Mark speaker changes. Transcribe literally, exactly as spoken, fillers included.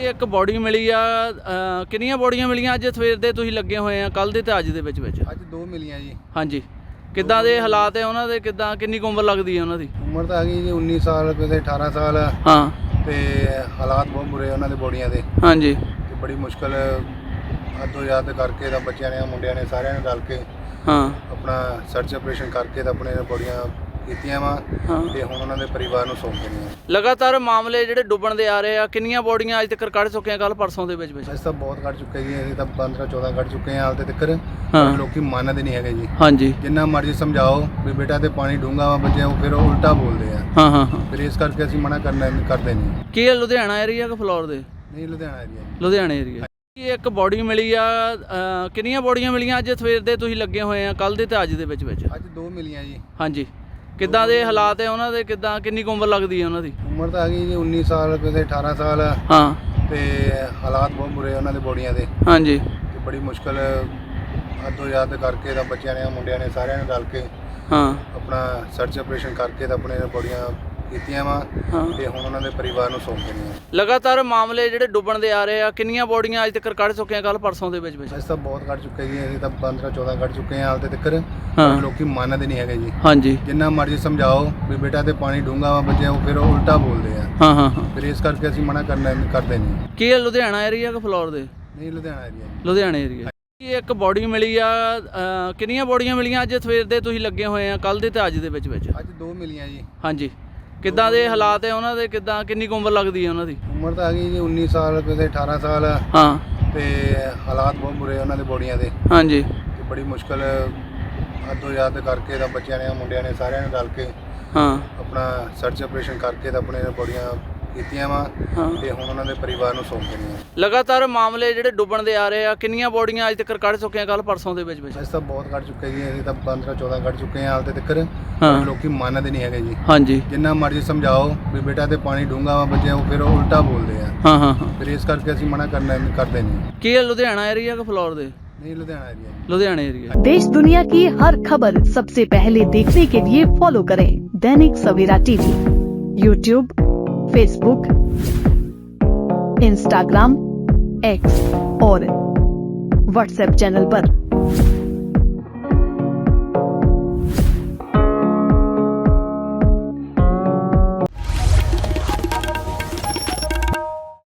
Speaker 1: ਇੱਕ ਬੋਡੀ ਮਿਲੀ ਆ, ਅ, ਕਿੰਨੀਆਂ ਬੋਡੀਆਂ ਮਿਲੀਆਂ ਅੱਜ ਸਵੇਰ ਦੇ ਤੁਸੀਂ ਲੱਗੇ ਹੋਏ ਆ, ਕੱਲ ਦੇ ਤੇ ਅੱਜ ਦੇ ਵਿੱਚ ਵਿੱਚ?
Speaker 2: ਅੱਜ ਦੋ ਮਿਲੀਆਂ ਜੀ।
Speaker 1: ਹਾਂਜੀ, ਕਿੱਦਾਂ ਦੇ ਹਾਲਾਤ ਹੈ ਉਹਨਾਂ ਦੇ, ਕਿੱਦਾਂ ਕਿੰਨੀ ਕੁ ਉਮਰ ਲੱਗਦੀ ਹੈ ਉਹਨਾਂ ਦੀ?
Speaker 2: ਉਮਰ ਤਾਂ ਹੈਗੀ ਜੀ ਉੱਨੀ ਸਾਲ, ਕਿਸੇ ਅਠਾਰਾਂ ਸਾਲ।
Speaker 1: ਹਾਂ,
Speaker 2: ਤੇ ਹਾਲਾਤ ਬਹੁਤ ਬੁਰੇ ਉਹਨਾਂ ਦੇ ਬੋਡੀਆਂ ਦੇ।
Speaker 1: ਹਾਂਜੀ,
Speaker 2: ਤੇ ਬੜੀ ਮੁਸ਼ਕਲ ਅੱਧੋ ਯਾਦ ਕਰਕੇ ਤਾਂ ਬੱਚਿਆਂ ਨੇ ਮੁੰਡਿਆਂ ਨੇ ਸਾਰਿਆਂ ਨੇ ਰਲ ਕੇ
Speaker 1: ਹਾਂ
Speaker 2: ਆਪਣਾ ਸਰਚ ਆਪਰੇਸ਼ਨ ਕਰਕੇ ਤਾਂ ਆਪਣੇ ਬੋਡੀਆਂ ਕੀਤੀਆਂ ਵਾ
Speaker 1: ਹਾਂ।
Speaker 2: ਤੇ ਹੁਣ ਉਹਨਾਂ ਦੇ ਪਰਿਵਾਰ ਨੂੰ ਸੌਂਪ ਦੇਣੀਆਂ।
Speaker 1: ਲਗਾਤਾਰ ਮਾਮਲੇ ਜਿਹੜੇ ਡੁੱਬਣ ਦੇ ਆ ਰਹੇ ਆ, ਕਿੰਨੀਆਂ ਬੋਡੀਆਂ ਅੱਜ ਤੱਕ ਕੱਢ ਚੁੱਕੇ ਆ ਕੱਲ ਪਰਸੋਂ ਦੇ ਵਿੱਚ ਵਿੱਚ?
Speaker 2: ਅਸੀਂ ਤਾਂ ਬਹੁਤ ਕੱਢ ਚੁੱਕੇ ਜੀ, ਅਸੀਂ ਤਾਂ ਪੰਦਰਾਂ ਚੌਦਾਂ ਕੱਢ ਚੁੱਕੇ ਹਾਂ ਹਾਲ ਤੱਕ।
Speaker 1: ਹਾਂ।
Speaker 2: ਲੋਕੀ ਮੰਨਦੇ ਨਹੀਂ ਹੈਗੇ ਜੀ।
Speaker 1: ਹਾਂਜੀ,
Speaker 2: ਜਿੰਨਾ ਮਰਜ਼ੀ ਸਮਝਾਓ ਵੀ ਬੇਟਾ ਤੇ ਪਾਣੀ ਡੂੰਘਾ ਵਾ, ਬੱਚੇ ਉਹ ਫਿਰ ਉਹ ਉਲਟਾ ਬੋਲਦੇ ਆ।
Speaker 1: ਹਾਂ ਹਾਂ ਹਾਂ।
Speaker 2: ਫਿਰ ਇਸ ਕਰਕੇ ਅਸੀਂ ਮਨਾ ਕਰਨਾ ਕਰਦੇ ਨਹੀਂ।
Speaker 1: ਕੀ ਇਹ ਲੁਧਿਆਣਾ ਏਰੀਆ ਕਿ ਫਲੋਰ ਦੇ?
Speaker 2: ਨਹੀਂ, ਲੁਧਿਆਣਾ ਏਰੀਆ ਜੀ।
Speaker 1: ਲੁਧਿਆਣੇ ਏਰੀਆ। ਇਹ ਇੱਕ ਬੋਡੀ ਮਿਲੀ ਆ, ਅ, ਕਿੰਨੀਆਂ ਬੋਡੀਆਂ ਮਿਲੀਆਂ ਅੱਜ ਸਵੇਰ ਦੇ ਤੁਸੀਂ ਲੱਗੇ ਹੋਏ ਆ, ਕੱਲ ਦੇ ਤੇ ਅੱਜ ਦੇ ਵਿੱਚ ਵਿੱਚ?
Speaker 2: ਅੱਜ ਦੋ ਮਿਲੀਆਂ ਜੀ।
Speaker 1: ਹਾਂਜੀ, ਕਿੱਦਾਂ ਦੇ ਹਾਲਾਤ ਹੈ ਉਹਨਾਂ ਦੇ, ਕਿੱਦਾਂ ਕਿੰਨੀ ਕੁ ਉਮਰ ਲੱਗਦੀ ਹੈ ਉਹਨਾਂ ਦੀ?
Speaker 2: ਉਮਰ ਤਾਂ ਹੈਗੀ ਜੀ ਉੱਨੀ ਸਾਲ, ਕਿਸੇ ਅਠਾਰਾਂ ਸਾਲ।
Speaker 1: ਹਾਂ,
Speaker 2: ਤੇ ਹਾਲਾਤ ਬਹੁਤ ਬੁਰੇ ਉਹਨਾਂ ਦੇ ਬੋਡੀਆਂ ਦੇ।
Speaker 1: ਹਾਂਜੀ,
Speaker 2: ਤੇ ਬੜੀ ਮੁਸ਼ਕਲ ਅੱਧੋ ਯਾਦ ਕਰਕੇ ਤਾਂ ਬੱਚਿਆਂ ਨੇ ਮੁੰਡਿਆਂ ਨੇ ਸਾਰਿਆਂ ਨੇ ਰਲ ਕੇ
Speaker 1: ਹਾਂ
Speaker 2: ਆਪਣਾ ਸਰਚ ਆਪਰੇਸ਼ਨ ਕਰਕੇ ਤਾਂ ਆਪਣੇ ਬੋਡੀਆਂ ਕੀਤੀਆਂ ਵਾ
Speaker 1: ਹਾਂ।
Speaker 2: ਤੇ ਹੁਣ ਉਹਨਾਂ ਦੇ ਪਰਿਵਾਰ ਨੂੰ ਸੌਂਪ ਦੇਣੀਆਂ।
Speaker 1: ਲਗਾਤਾਰ ਮਾਮਲੇ ਜਿਹੜੇ ਡੁੱਬਣ ਦੇ ਆ ਰਹੇ ਆ, ਕਿੰਨੀਆਂ ਬੋਡੀਆਂ ਅੱਜ ਤੱਕ ਕੱਢ ਚੁੱਕੇ ਆ ਕੱਲ ਪਰਸੋਂ ਦੇ ਵਿੱਚ ਵਿੱਚ?
Speaker 2: ਅਸੀਂ ਤਾਂ ਬਹੁਤ ਕੱਢ ਚੁੱਕੇ ਜੀ, ਅਸੀਂ ਤਾਂ ਪੰਦਰਾਂ ਚੌਦਾਂ ਕੱਢ ਚੁੱਕੇ ਹਾਂ ਹਾਲ ਤੱਕ।
Speaker 1: ਹਾਂ।
Speaker 2: ਲੋਕੀ ਮੰਨਦੇ ਨਹੀਂ ਹੈਗੇ ਜੀ।
Speaker 1: ਹਾਂਜੀ,
Speaker 2: ਜਿੰਨਾ ਮਰਜ਼ੀ ਸਮਝਾਓ ਵੀ ਬੇਟਾ ਤੇ ਪਾਣੀ ਡੂੰਘਾ ਵਾ, ਬੱਚੇ ਉਹ ਫਿਰ ਉਹ ਉਲਟਾ ਬੋਲਦੇ ਆ।
Speaker 1: ਹਾਂ ਹਾਂ ਹਾਂ।
Speaker 2: ਫਿਰ ਇਸ ਕਰਕੇ ਅਸੀਂ ਮਨਾ ਕਰਨਾ ਕਰਦੇ ਨਹੀਂ।
Speaker 1: ਕੀ ਇਹ ਲੁਧਿਆਣਾ ਏਰੀਆ ਕਿ ਫਲੋਰ ਦੇ?
Speaker 2: ਨਹੀਂ, ਲੁਧਿਆਣਾ ਏਰੀਆ ਜੀ।
Speaker 1: ਲੁਧਿਆਣੇ ਏਰੀਆ। ਇਹ ਇੱਕ ਬੋਡੀ ਮਿਲੀ ਆ, ਅ, ਕਿੰਨੀਆਂ ਬੋਡੀਆਂ ਮਿਲੀਆਂ ਅੱਜ ਸਵੇਰ ਦੇ ਤੁਸੀਂ ਲੱਗੇ ਹੋਏ ਆ, ਕੱਲ ਦੇ ਤੇ ਅੱਜ ਦੇ ਵਿੱਚ ਵਿੱਚ?
Speaker 2: ਅੱਜ ਦੋ ਮਿਲੀਆਂ ਜੀ।
Speaker 1: ਹਾਂਜੀ, ਕਿੱਦਾਂ ਦੇ ਹਾਲਾਤ ਹੈ ਉਹਨਾਂ ਦੇ, ਕਿੱਦਾਂ ਕਿੰਨੀ ਕੁ ਉਮਰ ਲੱਗਦੀ ਹੈ ਉਹਨਾਂ ਦੀ?
Speaker 2: ਉਮਰ ਤਾਂ ਹੈਗੀ ਜੀ ਉੱਨੀ ਸਾਲ, ਕਿਸੇ ਅਠਾਰਾਂ ਸਾਲ।
Speaker 1: ਹਾਂ,
Speaker 2: ਤੇ ਹਾਲਾਤ ਬਹੁਤ ਬੁਰੇ ਉਹਨਾਂ ਦੇ ਬੋਡੀਆਂ ਦੇ।
Speaker 1: ਹਾਂਜੀ,
Speaker 2: ਤੇ ਬੜੀ ਮੁਸ਼ਕਲ ਅੱਧੋ ਯਾਦ ਕਰਕੇ ਤਾਂ ਬੱਚਿਆਂ ਨੇ ਮੁੰਡਿਆਂ ਨੇ ਸਾਰਿਆਂ ਨੇ ਰਲ ਕੇ
Speaker 1: ਹਾਂ
Speaker 2: ਆਪਣਾ ਸਰਚ ਆਪਰੇਸ਼ਨ ਕਰਕੇ ਤਾਂ ਆਪਣੇ ਬੋਡੀਆਂ ਕੀਤੀਆਂ ਵਾ
Speaker 1: ਹਾਂ।
Speaker 2: ਤੇ ਹੁਣ ਉਹਨਾਂ ਦੇ ਪਰਿਵਾਰ ਨੂੰ ਸੌਂਪ ਦੇਣੀਆਂ।
Speaker 1: ਲਗਾਤਾਰ ਮਾਮਲੇ ਜਿਹੜੇ ਡੁੱਬਣ ਦੇ ਆ ਰਹੇ ਆ, ਕਿੰਨੀਆਂ ਬੋਡੀਆਂ ਅੱਜ ਤੱਕ ਕੱਢ ਚੁੱਕੇ ਆ ਕੱਲ ਪਰਸੋਂ ਦੇ ਵਿੱਚ ਵਿੱਚ?
Speaker 2: ਅਸੀਂ ਤਾਂ ਬਹੁਤ ਕੱਢ ਚੁੱਕੇ ਜੀ, ਅਸੀਂ ਤਾਂ ਪੰਦਰਾਂ ਚੌਦਾਂ ਕੱਢ ਚੁੱਕੇ ਹਾਂ ਹਾਲ ਤੱਕ।
Speaker 1: ਹਾਂ।
Speaker 2: ਲੋਕੀ ਮੰਨਦੇ ਨਹੀਂ ਹੈਗੇ ਜੀ।
Speaker 1: ਹਾਂਜੀ,
Speaker 2: ਜਿੰਨਾ ਮਰਜ਼ੀ ਸਮਝਾਓ ਵੀ ਬੇਟਾ ਤੇ ਪਾਣੀ ਡੂੰਘਾ ਵਾ, ਬੱਚੇ ਉਹ ਫਿਰ ਉਹ ਉਲਟਾ ਬੋਲਦੇ ਆ।
Speaker 1: ਹਾਂ ਹਾਂ ਹਾਂ।
Speaker 2: ਫਿਰ ਇਸ ਕਰਕੇ ਅਸੀਂ ਮਨਾ ਕਰਨਾ ਕਰਦੇ ਨਹੀਂ।
Speaker 1: ਕੀ ਇਹ ਲੁਧਿਆਣਾ ਏਰੀਆ ਕਿ ਫਲੋਰ ਦੇ?
Speaker 2: नहीं, लुधियाना एरिया जी।
Speaker 1: लुधियाना एरिया।
Speaker 3: देश दुनिया की हर खबर सबसे पहले देखने के लिए फॉलो करें Dainik Savera TV, YouTube, Facebook, Instagram, X और व्हाट्सएप चैनल पर।